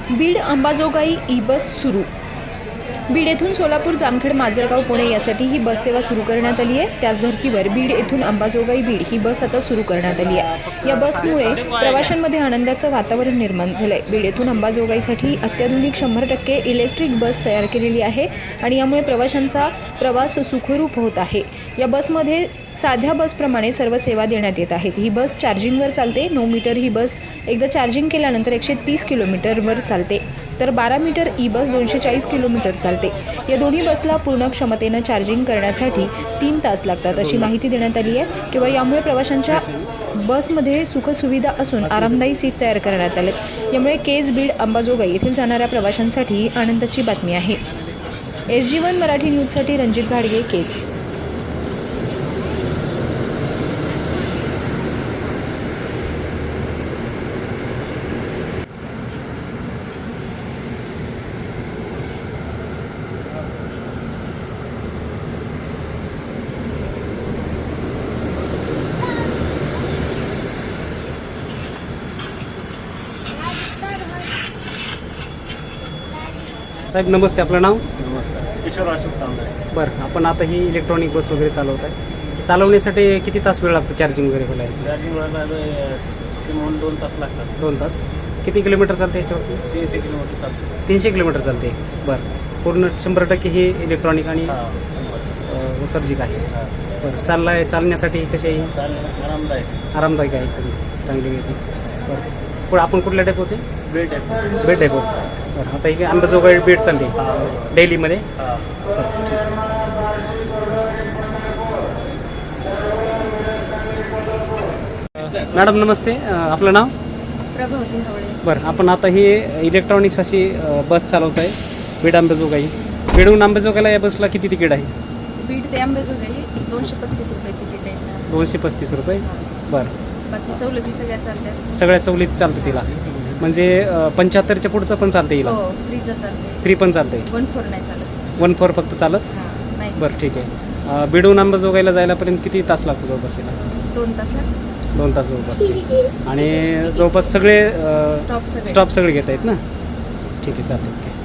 Beed Ambajogai E बस सुरू। बीड येथून सोलापूर, जामखेड, माजलगाव, पुणे यासाठी ही बस सेवा सुरू करण्यात आली आहे। त्याच धर्तीवर बीड येथून अंबाजोगाई बीड ही बस आता सुरू करण्यात आली आहे। या बसमुळे प्रवाशांमध्ये आनंदाचं वातावरण निर्माण झालंय। बीड येथून अंबाजोगाईसाठी अत्याधुनिक 100% इलेक्ट्रिक बस तयार केलेली आहे आणि यामुळे प्रवाशांचा प्रवास सुखरूप होत आहे। या बसमध्ये साध्या बसप्रमाणे सर्व सेवा देण्यात येत आहेत। ही बस चार्जिंगवर चालते। 9 मीटर ही बस एकदा चार्जिंग केल्यानंतर 130 किलोमीटरवर चालते, तर 12 मीटर ई बस 240 किलोमीटर चालते। या दोन्ही बसला पूर्ण क्षमतेनं चार्जिंग करण्यासाठी 3 तास लागतात अशी माहिती देण्यात आली आहे। किंवा यामुळे प्रवाशांच्या बसमध्ये सुखसुविधा असून आरामदायी सीट तयार करण्यात आले। यामुळे केज बीड अंबाजोगाई येथील जाणाऱ्या प्रवाशांसाठी आनंदाची बातमी आहे। SG1 मराठी न्यूजसाठी रणजित घाडगे, केज। साहेब नमस्ते, आपलं नाव? नमस्कार, किशोर अशोक तांबरे। बरं, आपण आता ही इलेक्ट्रॉनिक बस वगैरे चालवत आहे। चालवण्यासाठी किती तास वेळ लागतो चार्जिंग वगैरे व्हायला? चार्जिंग व्हायला किमान 2 तास लागतात। 2 तास? किती किलोमीटर चालते याच्यावरती? 300 किलोमीटर चालतं। 300 किलोमीटर चालते। बरं, पूर्ण 100% ही इलेक्ट्रॉनिक आणि 100%. सर्जिक आहे। बरं, चालण्यासाठी कशी आहे? चालेल, आरामदायक आरामदायक आहे, एकदम चांगली येते। बरं, पुढे आपण कुठल्या डेपोचे? बेड आहे। बेड डेपो। बरं, आता ही अंबाजोगाई बेड चालते डेलीमध्ये? मॅडम नमस्ते, आपलं नाव? प्रभावती हवळे। बरं, आपण आता ही इलेक्ट्रॉनिक्स अशी बस चालवत आहे बीड अंबाजोगाई। बीडहून अंबाजोगाईला या बसला किती तिकीट आहे? बीड ते अंबाजोगाई 235 रुपये तिकीट आहे। 235 रुपये। बरं, बाकी सवलती सगळ्या चालतात। सगळ्या सवलती चालतं तिला, म्हणजे 75च्या पुढचं पण चालतं येईल? हो, फ्रीचं चालते। फ्री पण चालते? 1-4 नाही चालत। 1-4 फक्त चालत? हां, नाही। बरं, ठीक आहे। बीडहून अंबाजोगाईला जायलापर्यंत किती तास लागतो जवळपास? 2 तास लागतात। 2 तास जवळपास। आणि जवळपास सगळे स्टॉप स्टॉप सगळे घेत आहेत ना? ठीक आहे, चालतं, ओके।